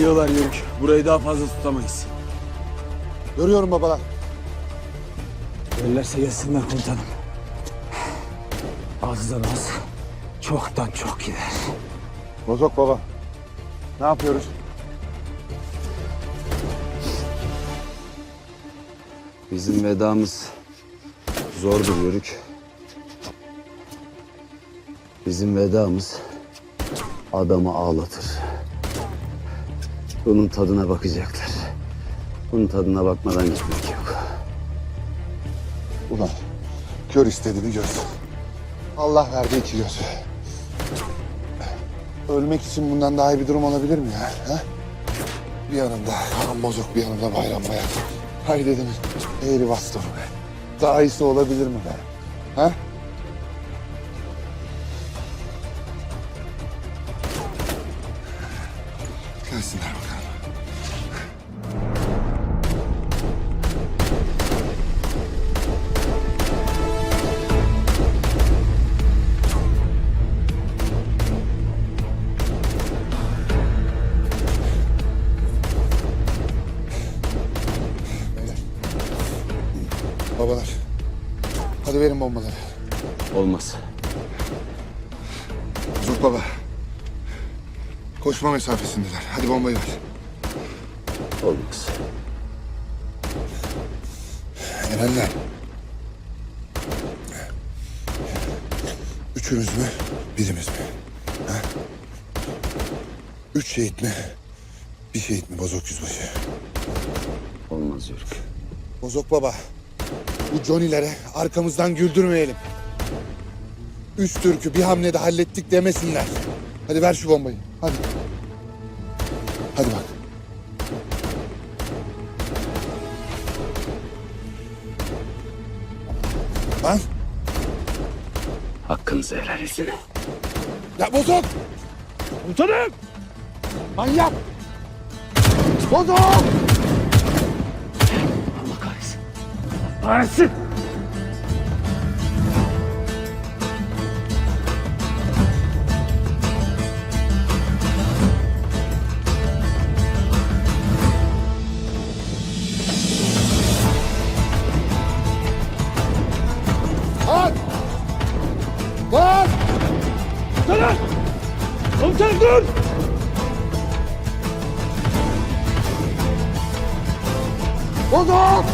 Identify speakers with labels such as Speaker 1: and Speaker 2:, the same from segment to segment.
Speaker 1: Geliyorlar Yörük. Burayı daha fazla tutamayız.
Speaker 2: Görüyorum babalar.
Speaker 1: Gelirlerse gelsinler komutanım. Azdan az, çoktan çok gider.
Speaker 2: Bozok baba. Ne yapıyoruz?
Speaker 3: Bizim vedamız zordur Yörük. Bizim vedamız adamı ağlatır. Bunun tadına bakacaklar. Bunun tadına bakmadan gitmek yok.
Speaker 2: Ulan kör istediğini göz. Allah verdi iki göz. Ölmek için bundan daha iyi bir durum olabilir mi ya? Ha? Bir yanımda kan bozuk, bir yanımda Bayram Bayat. Hay dedim, eğri bastım be. Daha iyisi olabilir mi be? Ha? Gelsinler bakalım. Babalar, hadi verin bombaları.
Speaker 3: Olmaz.
Speaker 2: Zuk baba, koşma mesafesindeler. Hadi bombayı ver.
Speaker 3: Olmaz.
Speaker 2: Erenler. Üçümüz mü, birimiz mi? Ha? 3 şehit mi, bir şehit mi Bozok Yüzbaşı?
Speaker 3: Olmaz Yörük.
Speaker 2: Bozok baba, bu Johnny'lere arkamızdan güldürmeyelim. 3 Türk'ü bir hamlede hallettik demesinler. Hadi ver şu bombayı, hadi. Hadi bak. Lan,
Speaker 3: Hakkınızı helal edin.
Speaker 2: ya Bozok! Komutanım! Manyak! Bozok!
Speaker 3: Allah kahretsin. Kahretsin!
Speaker 2: Lan! Lan!
Speaker 1: Komutanım! Komutanım dur!
Speaker 2: Bozok!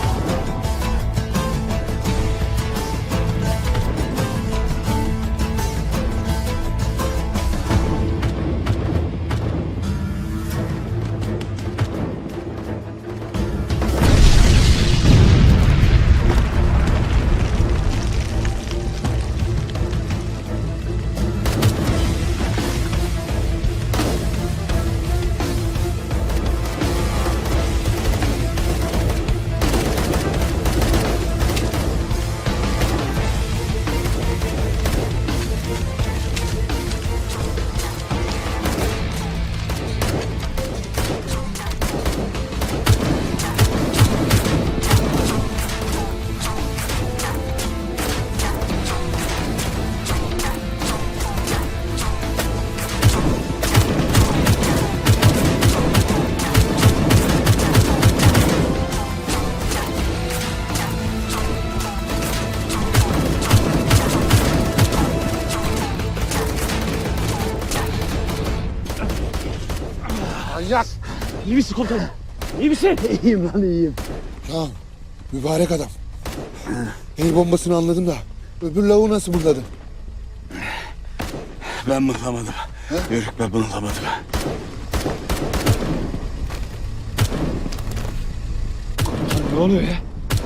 Speaker 2: Manyak!
Speaker 1: İyi misin komutanım? İyi misin?
Speaker 3: İyiyim lan iyiyim.
Speaker 2: Ya mübarek adam. El bombasını anladım da öbür lavuğu nasıl mırladın?
Speaker 1: Ben mıhlamadım. Yörük ben mıhlamadım. Ne oluyor ya?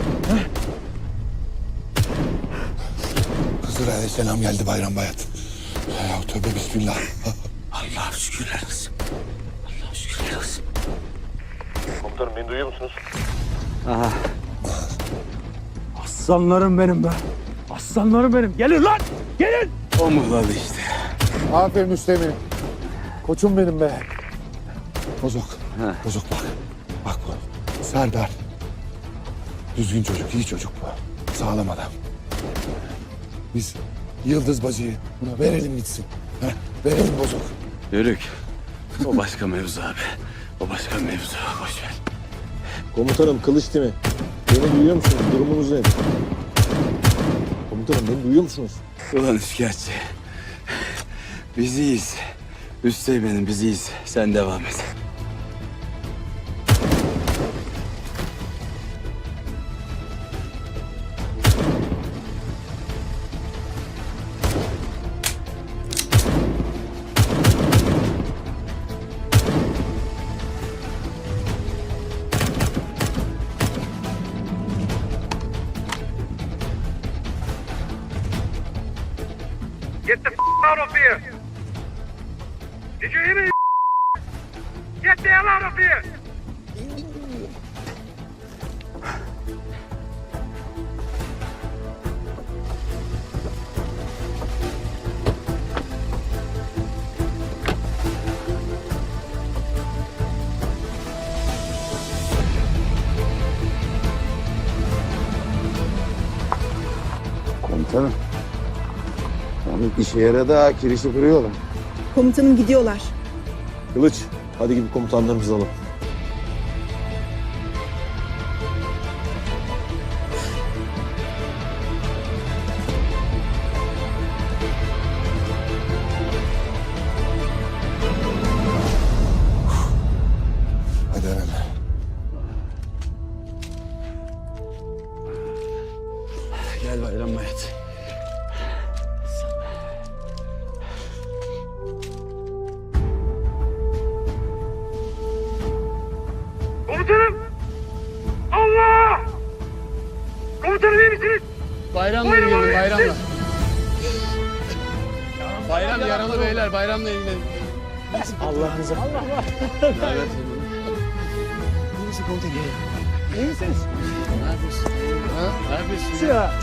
Speaker 2: Hızır Aleyhisselam geldi Bayram Bayat. Ya tövbe bismillah.
Speaker 1: Allah'ım şükürler olsun. Allah'ım şükürler olsun.
Speaker 4: Komutanım beni duyuyor musunuz?
Speaker 3: Aha.
Speaker 1: Aslanlarım benim be. Aslanlarım benim. Gelin lan! Gelin! O mıhladı işte.
Speaker 2: Aferin Üsteğmen'im. Koçum benim be. Bozok.
Speaker 3: He.
Speaker 2: Bozok bak. Bak bu. Serdar. Düzgün çocuk, iyi çocuk bu. Sağlam adam. Biz Yıldız bacıyı buna verelim gitsin. Verelim Bozok.
Speaker 1: Yörük. O başka mevzu abi. O başka mevzu. Boş ver.
Speaker 5: Komutanım kılıç değil mi? Beni duyuyor musunuz? Durumunuz ne? Komutanım beni duyuyor musunuz?
Speaker 1: Ulan üçkağıtçı. Biz iyiyiz. Üsteğmenim biz iyiyiz. Sen devam et.
Speaker 6: Get the out of here! Did you hear me? Get the hell out of here!
Speaker 3: Komutanım. Yani işe yaradı ha. Kirişi kırıyorlar.
Speaker 7: Komutanım gidiyorlar.
Speaker 5: Kılıç, hadi gidip komutanlarımızı alalım.
Speaker 2: Hadi Eren.
Speaker 1: Gel Bayram Bayat.
Speaker 6: Komutanım! Allah! Komutanım iyi misiniz?
Speaker 8: Bayramla
Speaker 6: Buyurun
Speaker 8: ilgili,
Speaker 6: abi,
Speaker 8: bayramla. Bayram yaralı beyler, bayramla ilgili.
Speaker 5: Allah'ınıza.
Speaker 8: Ne yapıyorsun? Ha? Ne yapıyorsun?
Speaker 5: Ya.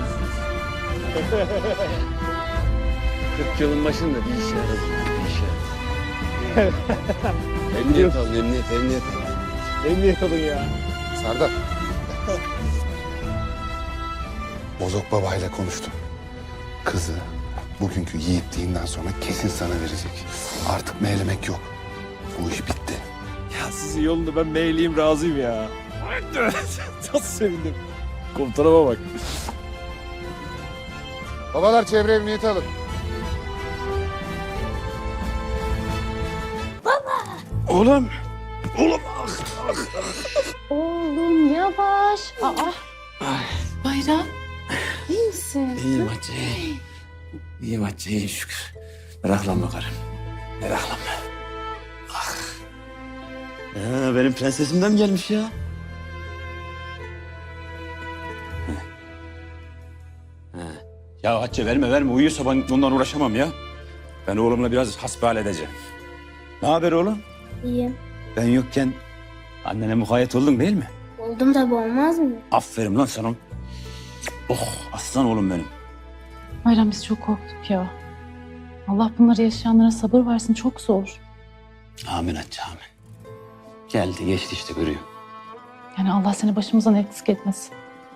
Speaker 8: 40 yılın başında bir işe yaradı. Bir işe yaradı. Emniyet alın, emniyet.
Speaker 5: Emniyet olun ya.
Speaker 2: Serdar. Bozok babayla konuştum. Kızı bugünkü yiğitliğinden sonra kesin sana verecek. Artık meylemek yok. Bu iş bitti.
Speaker 5: Ya sizin yolunda ben meyliyim, razıyım ya. Nasıl sevindim. Komutanıma bak.
Speaker 2: Babalar çevre emniyeti alın.
Speaker 1: Oğlum.
Speaker 9: Oğlum yavaş. Aa. Bayram. İyi misin?
Speaker 1: İyiyim Hatice. İyiyim Hatice, iyiyim şükür. Meraklanma karım. Meraklanma. Ah. Benim prensesimden gelmiş ya. Ya Hatice verme. Uyuyorsa ben ondan uğraşamam ya. Ben oğlumla biraz hasbihal edeceğim. Ne haber oğlum?
Speaker 9: İyiyim.
Speaker 1: Ben yokken annene mukayyet oldun değil mi?
Speaker 9: Oldum tabii, olmaz mı?
Speaker 1: Aferin lan sana. Oh aslan oğlum benim.
Speaker 10: Bayram biz çok korktuk ya. Allah bunları yaşayanlara sabır versin, çok zor.
Speaker 1: Amin Hatice amin. Geldi geçti işte görüyor.
Speaker 10: Yani Allah seni başımızdan eksik etmesin.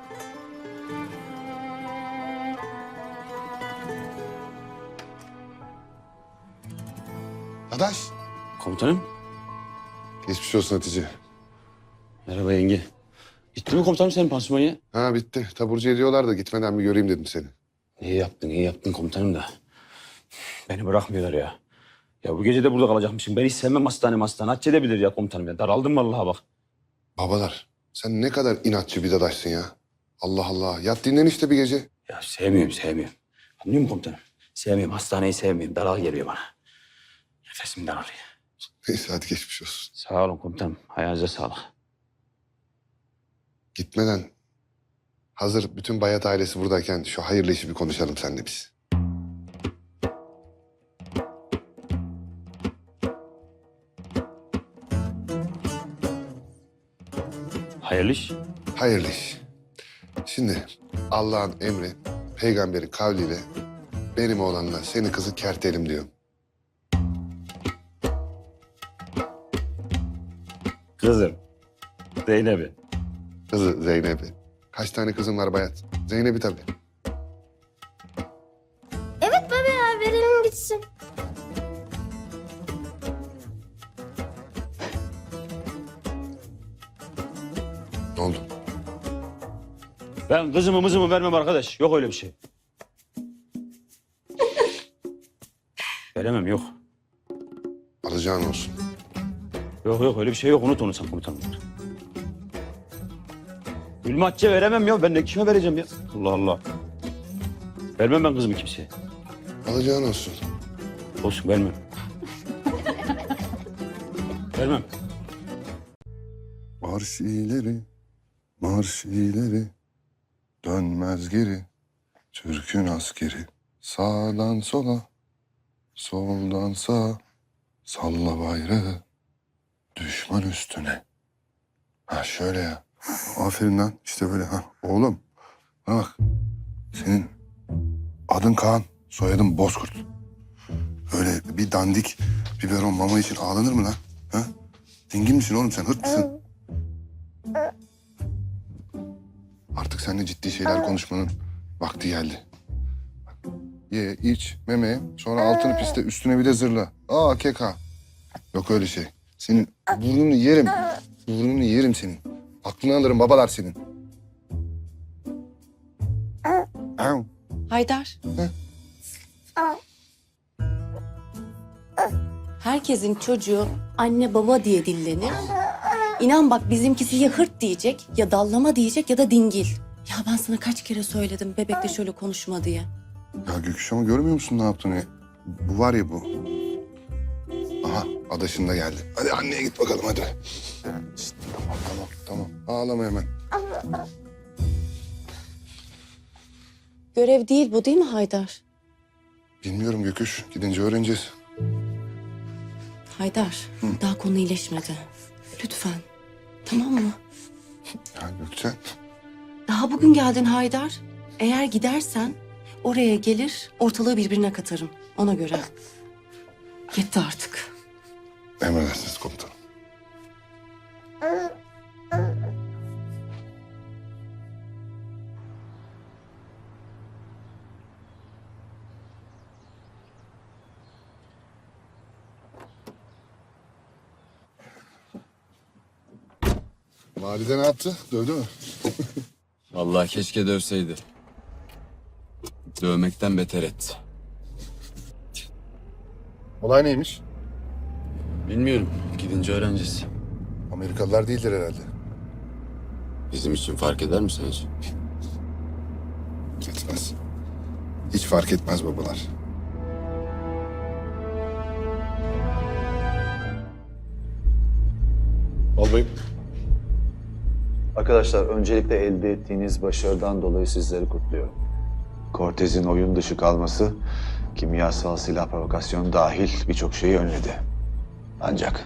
Speaker 2: Adaş.
Speaker 1: Komutanım.
Speaker 2: Geçmiş olsun Hatice.
Speaker 1: Merhaba yenge. Bitti mi komutanım senin pansumanı?
Speaker 2: Ha bitti. Taburcu ediyorlar da gitmeden bir göreyim dedim seni.
Speaker 1: İyi yaptın komutanım da. Beni bırakmıyorlar ya. Ya bu gece de burada kalacakmışım. Ben hiç sevmem hastane. Hatice de bilir ya komutanım ya. Daraldım vallahi bak.
Speaker 2: Babalar sen ne kadar inatçı bir dadaşsın ya. Allah Allah. Yat dinlen işte bir gece.
Speaker 1: Ya sevmiyorum. Anlıyor musun komutanım? Sevmiyorum. Hastaneyi sevmiyorum. Daral geliyor bana. Nefesim daralıyor.
Speaker 2: Neyse hadi geçmiş olsun.
Speaker 1: Sağ olun komutanım. Ayağınıza sağlık.
Speaker 2: Gitmeden hazır bütün Bayat ailesi buradayken şu hayırlı işi bir konuşalım seninle biz.
Speaker 1: Hayırlı iş.
Speaker 2: Hayırlı iş. Şimdi Allah'ın emri, peygamberin kavliyle benim oğlanla senin kızı kertelim diyor.
Speaker 1: Kızım. Zeynep'i.
Speaker 2: Kızı Zeynep'i. Kaç tane kızın var Bayat? Zeynep'i tabii.
Speaker 9: Evet baba ya, verelim gitsin.
Speaker 1: Ben kızımı mızımı vermem arkadaş. Yok öyle bir şey. Veremem yok.
Speaker 2: Alacağın olsun.
Speaker 1: Yok öyle bir şey yok. Unut onu sen komutanım. Gülme Hatice veremem ya. Ben de kime vereceğim ya? Allah Allah. Vermem ben kızımı kimseye.
Speaker 2: Alacağın olsun.
Speaker 1: Olsun vermem. Vermem.
Speaker 2: Marş ileri, dönmez geri. Türk'ün askeri, sağdan sola, soldan sağa. Salla bayrağı, düşman üstüne. Ha şöyle ya. Aferin lan, işte böyle ha. Oğlum, bana bak. Senin adın Kaan, soyadın Bozkurt. Öyle bir dandik biberon mama için ağlanır mı lan? Ha? Dingin misin oğlum sen, hırt mısın? Artık seninle ciddi şeyler konuşmanın vakti geldi. Ye, iç, meme, sonra altını piste, üstüne bir de zırla. Aa keka. Yok öyle şey. Senin burnunu yerim. Burnunu yerim senin. Aklını alırım babalar senin. Au.
Speaker 11: Haydar. Herkesin çocuğu anne baba diye dillenir. İnan bak bizimkisi ya hırt diyecek, ya dallama diyecek ya da dingil. Ya ben sana kaç kere söyledim bebekle şöyle konuşma diye.
Speaker 2: Ya Göküş ama görmüyor musun ne yaptığını? Bu var ya bu. Aha adaşın da geldi. Hadi anneye git bakalım hadi. Şişt, tamam. Ağlama hemen.
Speaker 11: Görev değil bu değil mi Haydar?
Speaker 2: Bilmiyorum Göküş. Gidince öğreneceğiz.
Speaker 11: Haydar, daha konu iyileşmedi. Lütfen. Tamam mı?
Speaker 2: Ya Gökçen.
Speaker 11: Daha bugün geldin Haydar. Eğer gidersen oraya gelir ortalığı birbirine katarım. Ona göre. Yetti artık.
Speaker 2: Emredersiniz komutanım. Valide ne yaptı? Dövdü mü?
Speaker 8: Vallahi keşke dövseydi. Dövmekten beter etti.
Speaker 2: Olay neymiş?
Speaker 8: Bilmiyorum. Gidince öğreneceğiz.
Speaker 2: Amerikalılar değildir herhalde.
Speaker 8: Bizim için fark eder mi sence?
Speaker 2: Etmez. Hiç fark etmez babalar.
Speaker 4: Albayım.
Speaker 12: Arkadaşlar öncelikle elde ettiğiniz başarıdan dolayı sizleri kutluyorum. Cortez'in oyun dışı kalması, kimyasal silah provokasyonu dahil birçok şeyi önledi. Ancak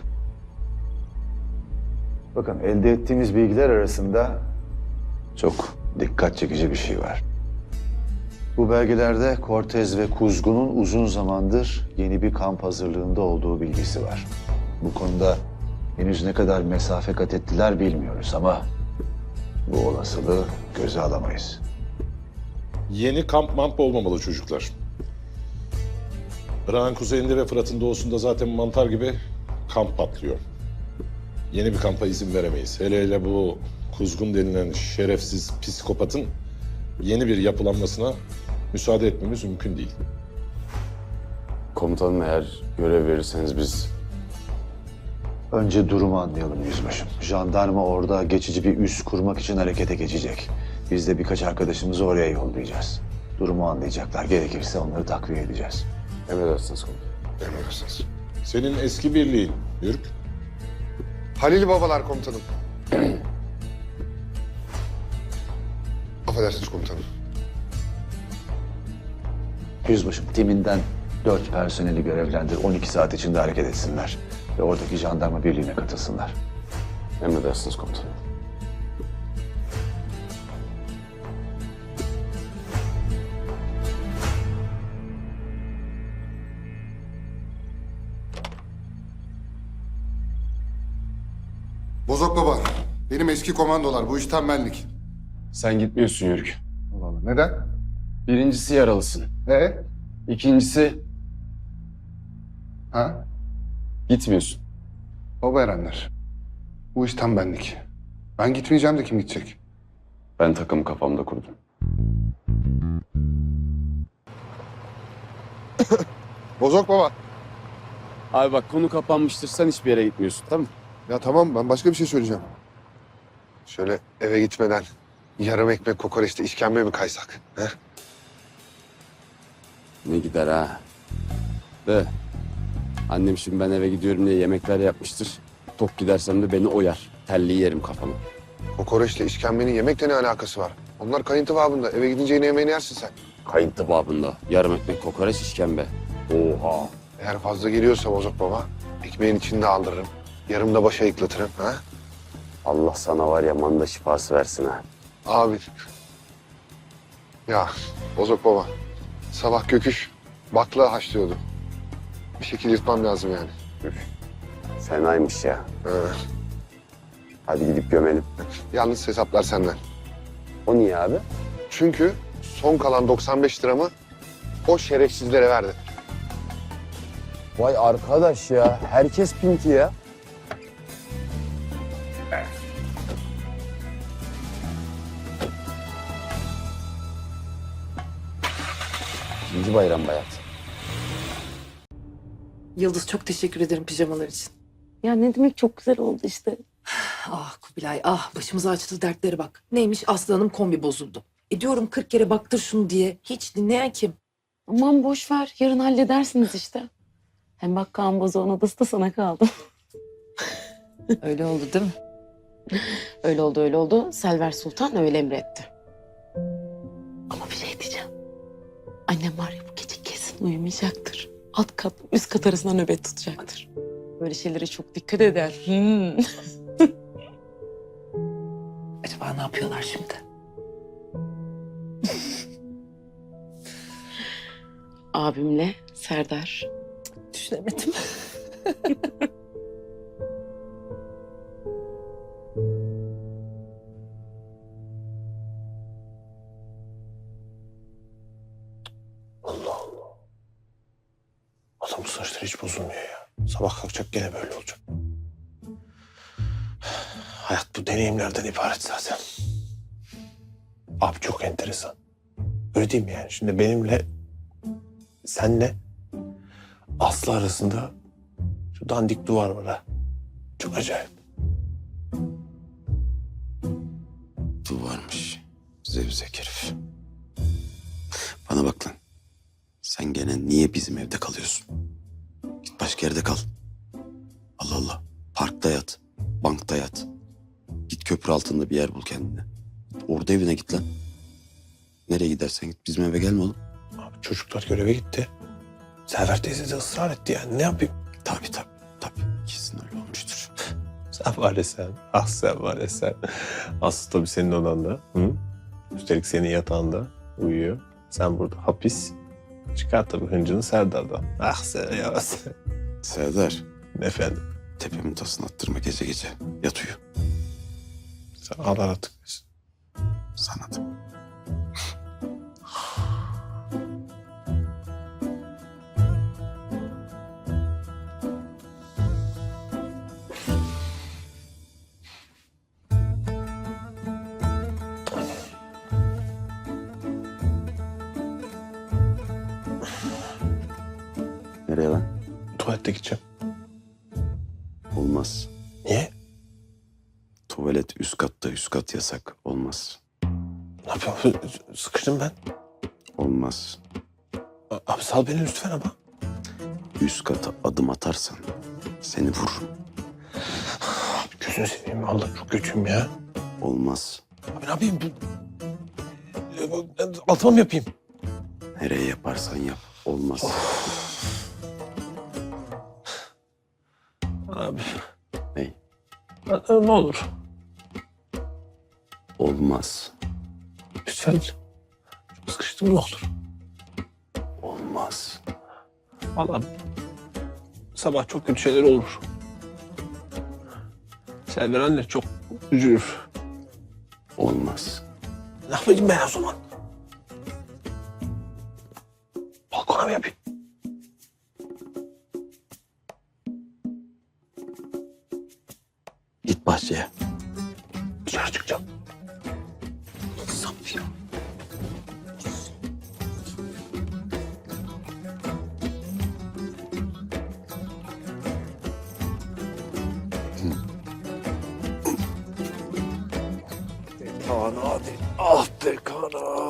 Speaker 12: bakın elde ettiğimiz bilgiler arasında çok dikkat çekici bir şey var. Bu belgelerde Cortez ve Kuzgun'un uzun zamandır yeni bir kamp hazırlığında olduğu bilgisi var. Bu konuda henüz ne kadar mesafe kat ettiler bilmiyoruz ama bu olasılığı göze alamayız.
Speaker 4: Yeni kamp mamp olmamalı çocuklar. Irak'ın kuzeyinde ve Fırat'ın doğusunda zaten mantar gibi kamp patlıyor. Yeni bir kampa izin veremeyiz. Hele bu Kuzgun denilen şerefsiz psikopatın yeni bir yapılanmasına müsaade etmemiz mümkün değil.
Speaker 8: Komutanım eğer görev verirseniz biz...
Speaker 12: Önce durumu anlayalım yüzbaşım. Jandarma orada geçici bir üs kurmak için harekete geçecek. Biz de birkaç arkadaşımızı oraya yollayacağız. Durumu anlayacaklar. Gerekirse onları takviye edeceğiz.
Speaker 8: Emredersiniz komutanım.
Speaker 2: Emredersiniz.
Speaker 4: Senin eski birliğin Yürük.
Speaker 2: Halil babalar komutanım. Affedersiniz komutanım.
Speaker 12: Yüzbaşım timinden 4 personeli görevlendir. 12 saat içinde hareket etsinler. Ve oradaki jandarma birliğine katılsınlar.
Speaker 8: Emredersiniz komutanım.
Speaker 2: Bozok baba. Benim eski komandolar. Bu iş tembellik.
Speaker 8: Sen gitmiyorsun Yörük.
Speaker 2: Allah Allah. Neden?
Speaker 8: Birincisi yaralısın. İkincisi
Speaker 2: Ha?
Speaker 8: gitmiyorsun.
Speaker 2: Baba erenler. Bu iş tembellik. Ben gitmeyeceğim de kim gidecek?
Speaker 8: Ben takımı kafamda kurdum.
Speaker 2: Bozok baba.
Speaker 8: Abi bak konu kapanmıştır. Sen hiçbir yere gitmiyorsun tamam mı?
Speaker 2: Ya tamam, ben başka bir şey söyleyeceğim. Şöyle eve gitmeden yarım ekmek kokoreçte işkembe mi kaysak? He?
Speaker 8: Ne gider ha. De. Annem şimdi ben eve gidiyorum diye yemekler yapmıştır. Tok gidersem de beni oyar. Telliyi yerim kafama.
Speaker 2: Kokoreçle işkembenin yemekle ne alakası var? Onlar kayıntı babında. Eve gidince yine yemeğini yersin sen.
Speaker 8: Kayıntı babında. Yarım ekmek kokoreç işkembe. Oha.
Speaker 2: Eğer fazla geliyorsa Bozok baba, ekmeğin içinde aldırırım. Yarım da başa yıklatırım. Ha?
Speaker 8: Allah sana var ya manda şifası versin ha.
Speaker 2: Abi. Ya Bozok baba, sabah Göküş bakla haşlıyordu. Bir şekilde yırtmam lazım yani.
Speaker 8: Fenaymış ya.
Speaker 2: Ha.
Speaker 8: Hadi gidip gömelim.
Speaker 2: Yalnız hesaplar senden.
Speaker 8: O niye abi?
Speaker 2: Çünkü son kalan 95 liramı o şerefsizlere verdim.
Speaker 8: Vay arkadaş ya. Herkes pinti ya. İkinci bayram bayat.
Speaker 13: Yıldız çok teşekkür ederim pijamalar için.
Speaker 11: Ya ne demek çok güzel oldu işte.
Speaker 13: Ah Kubilay ah başımıza açtığı dertlere bak. Neymiş Aslı Hanım kombi bozuldu. Diyorum 40 kere baktır şunu diye. Hiç dinleyen kim?
Speaker 11: Aman boş ver. Yarın halledersiniz işte. Hem bak Kaan Bozoğ'un odası da sana kaldı.
Speaker 13: Öyle oldu değil mi?
Speaker 11: Öyle oldu öyle oldu. Selver Sultan öyle emretti. Ama bir şey diyeceğim. Annem var ya bu gece kesin uyumayacaktır. Alt kat üst kat arasında nöbet tutacaktır. Böyle şeylere çok dikkat eder.
Speaker 13: Acaba ne yapıyorlar şimdi?
Speaker 11: Abimle Serdar.
Speaker 13: Düşünemedim.
Speaker 5: Adam bu saçları hiç bozulmuyor ya. Sabah kalkacak gene böyle olacak. Hayat bu deneyimlerden ibaret zaten. Abi çok enteresan. Öyle değil mi yani? Şimdi benimle, senle Aslı arasında şu dandik duvar var ha. Çok acayip.
Speaker 8: Duvarmış. Zevzek herif. Bana bak lan. Sen gene niye bizim evde kalıyorsun? Git başka yerde kal. Allah Allah. Parkta yat. Bankta yat. Git köprü altında bir yer bul kendine. Orada evine git lan. Nereye gidersen git. Bizim eve gelme oğlum.
Speaker 5: Abi çocuklar göreve gitti. Selver teyze de ısrar etti yani. Ne yapayım?
Speaker 8: Tabii. Kesin öyle olmuştur.
Speaker 5: Sen var ya sen. Ah sen var ya sen. Aslı tabii senin odanda. Hı? Üstelik senin yatağında uyuyor. Sen burada hapis. Çıkar tabii hıncını Serdar'dan. Ah sen ya sen.
Speaker 8: Serdar.
Speaker 5: Efendim.
Speaker 8: Tepemin tasını attırma gece gece. Yat uyu.
Speaker 5: Sen Allah artık.
Speaker 8: Sana da. Nereye lan?
Speaker 5: Tuvalete gideceğim.
Speaker 8: Olmaz.
Speaker 5: Niye?
Speaker 8: Tuvalet üst katta, üst kat yasak. Olmaz.
Speaker 5: Ne yapayım? Sıkıştım ben.
Speaker 8: Olmaz.
Speaker 5: Abi sal beni lütfen ama.
Speaker 8: Üst kata adım atarsan seni vururum.
Speaker 5: Abi gözünü seveyim. Vallahi çok kötüyüm ya.
Speaker 8: Olmaz.
Speaker 5: Abi ne yapayım? Altıma mı yapayım?
Speaker 8: Nereye yaparsan yap. Olmaz.
Speaker 5: Abi.
Speaker 8: Ney?
Speaker 5: Ne olur.
Speaker 8: Olmaz.
Speaker 5: Lütfen. Çok sıkıştım ne olur.
Speaker 8: Olmaz.
Speaker 5: Vallahi sabah çok kötü şeyler olur. Selver anne çok üzülür.
Speaker 8: Olmaz.
Speaker 5: Ne yapayım ben o zaman? Balkona mı yapayım?
Speaker 8: Git bahçeye.
Speaker 5: Dışarı çıkacağım. Kaan hadi. Ah be Kaan.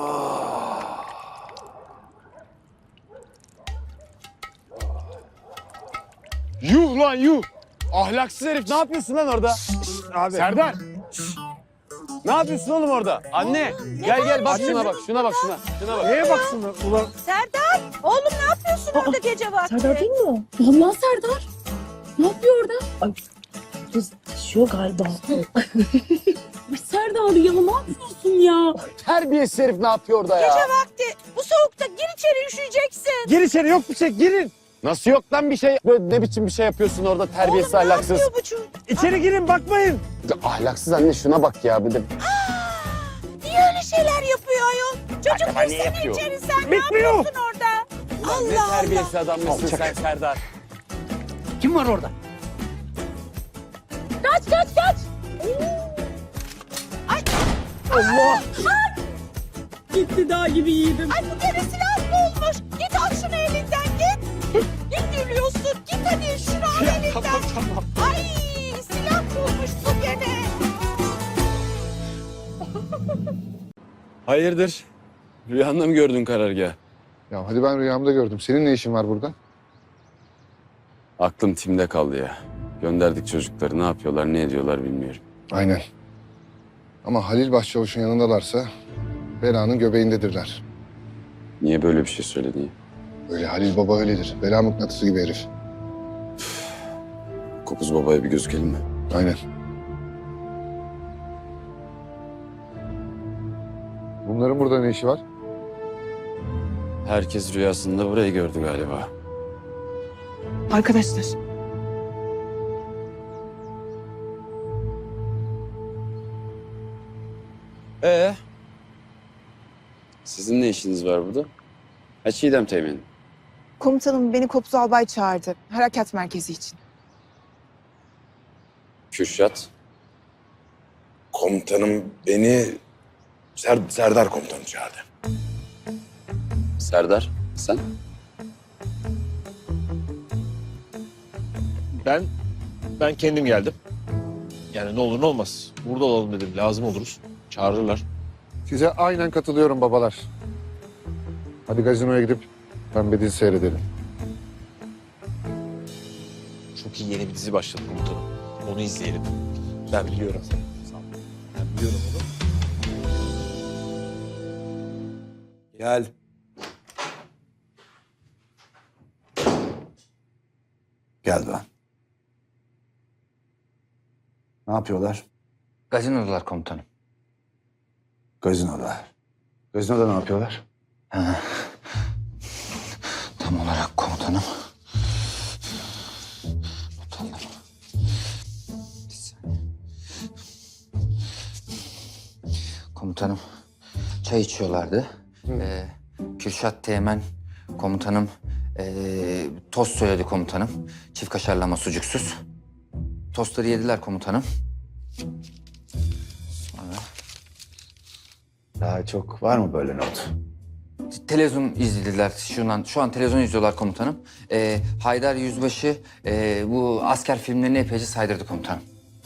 Speaker 14: Yuh lan yuh! Ahlaksız herif ne yapıyorsun lan orada?
Speaker 5: Abi.
Speaker 14: Serdar! Ne yapıyorsun oğlum orada? Anne! Gel bak şuna bak, şuna bak şuna. Şuna bak.
Speaker 5: Neye baksın ulan?
Speaker 7: Serdar! Oğlum ne yapıyorsun orada gece vakti?
Speaker 10: Serdar değil mi o? Vallahi Serdar. Ne yapıyor orada? Ay kız taşıyor galiba. Ay Serdar ya ne yapıyorsun ya?
Speaker 14: Terbiyesiz herif ne yapıyor orada ya?
Speaker 7: Gece vakti bu soğukta gir içeri üşüyeceksin.
Speaker 14: Gir içeri yok bir şey girin. Nasıl yok lan bir şey? Böyle ne biçim bir şey yapıyorsun orada terbiyesiz
Speaker 7: Oğlum ne
Speaker 14: ahlaksız.
Speaker 7: yapıyor bu çocuk?
Speaker 14: İçeri girin bakmayın. Ahlaksız anne şuna bak ya bir de.
Speaker 7: Niye öyle şeyler yapıyor ayol? Çocuk
Speaker 14: Acaba ne
Speaker 7: girsene
Speaker 14: yapıyor?
Speaker 7: içeri sen ne
Speaker 14: Bitmiyor.
Speaker 7: yapıyorsun orada?
Speaker 14: Ne
Speaker 7: Allah
Speaker 14: terbiyesiz adam mısın sen Serdar?
Speaker 5: Kim var orada?
Speaker 10: Kaç.
Speaker 14: Allah!
Speaker 10: Gitti dağ gibi yiğidim.
Speaker 7: Ay bu gene silah bulmuş. Git al şunu elinden git. Git gülüyorsun. Git hadi şunu al elinden.
Speaker 14: Tamam.
Speaker 7: Ay silah bulmuş bu gene.
Speaker 1: Hayırdır? Rüyanda mı gördün karargah?
Speaker 2: Ya hadi ben rüyamda gördüm. Senin ne işin var burada?
Speaker 1: Aklım timde kaldı ya. Gönderdik çocukları. Ne yapıyorlar, ne ediyorlar bilmiyorum.
Speaker 2: Aynen. Ama Halil Başçavuş'un yanındalarsa belanın göbeğindedirler.
Speaker 1: Niye böyle bir şey söyledin ya?
Speaker 2: Öyle Halil Baba öyledir. Bela mıknatısı gibi herif.
Speaker 1: Kopuz babaya bir gözükelim mi?
Speaker 2: Aynen. Bunların burada ne işi var?
Speaker 1: Herkes rüyasında burayı gördü galiba.
Speaker 7: Arkadaşlar.
Speaker 1: Sizin ne işiniz var burada? Ha Çiğdem Teğmen'in.
Speaker 7: Komutanım beni Kopuz Albay çağırdı. Harekat merkezi için.
Speaker 1: Kürşat.
Speaker 5: Komutanım beni Serdar komutanım çağırdı.
Speaker 1: Serdar, sen?
Speaker 5: Ben kendim geldim. Yani ne olur ne olmaz. Burada olalım dedim. Lazım oluruz. Çağırırlar.
Speaker 2: Size aynen katılıyorum babalar. Hadi gazinoya gidip pembe dizi seyredelim.
Speaker 5: Çok iyi yeni bir dizi başladı komutanım. Onu izleyelim. Ben biliyorum. Ben biliyorum onu.
Speaker 3: Gel. Gel Doğan. Ne yapıyorlar?
Speaker 8: Gazinodalar komutanım.
Speaker 3: Gazinoda. Gazinoda ne yapıyorlar?
Speaker 8: Tam olarak komutanım. Notalım. Bir saniye. Komutanım çay içiyorlardı. Kürşat Teğmen komutanım tost söyledi komutanım. Çift kaşarlama sucuksuz. Tostları yediler komutanım. Sonra
Speaker 3: Daha çok var mı böyle not?
Speaker 8: televizyon izlediler. Şu an televizyon izliyorlar komutanım. Haydar Yüzbaşı bu asker filmlerini epeyce saydırdı komutanım.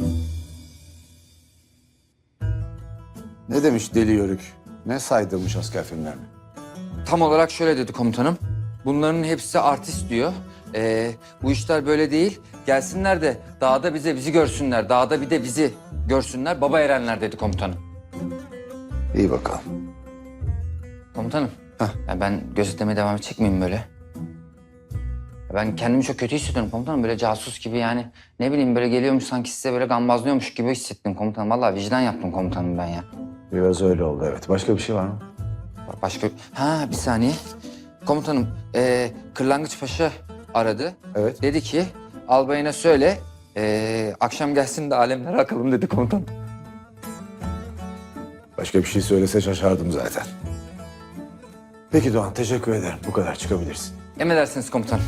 Speaker 3: Ne demiş Deli Yörük? Ne saydırmış asker filmlerini?
Speaker 8: Tam olarak şöyle dedi komutanım. Bunların hepsi artist diyor. Bu işler böyle değil. Gelsinler de dağda bizi görsünler. Dağda bir de bizi görsünler. Baba erenler dedi komutanım.
Speaker 3: İyi bakalım.
Speaker 8: Komutanım. Ya ben gözetlemeye devam edecek miyim böyle? Ben kendimi çok kötü hissediyorum komutanım. Böyle casus gibi yani. Ne bileyim böyle geliyormuş sanki size böyle gambazlıyormuş gibi hissettim komutanım. Vallahi vicdan yaptım komutanım ben ya.
Speaker 3: Biraz öyle oldu evet. Başka bir şey var mı?
Speaker 8: Başka... bir saniye. Komutanım, Kırlangıç Paşa aradı.
Speaker 3: Evet.
Speaker 8: Dedi ki, albayına söyle, akşam gelsin de alemlere akalım dedi komutanım.
Speaker 3: Başka bir şey söylese şaşardım zaten. Peki Doğan teşekkür ederim. Bu kadar çıkabilirsin.
Speaker 8: Emredersiniz komutanım.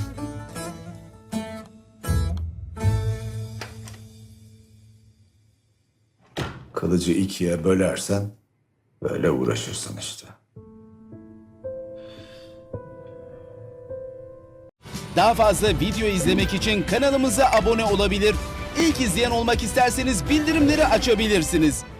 Speaker 3: Kılıcı ikiye bölersen Böyle uğraşırsın işte.
Speaker 15: Daha fazla video izlemek için kanalımıza abone olabilir. İlk izleyen olmak isterseniz bildirimleri açabilirsiniz.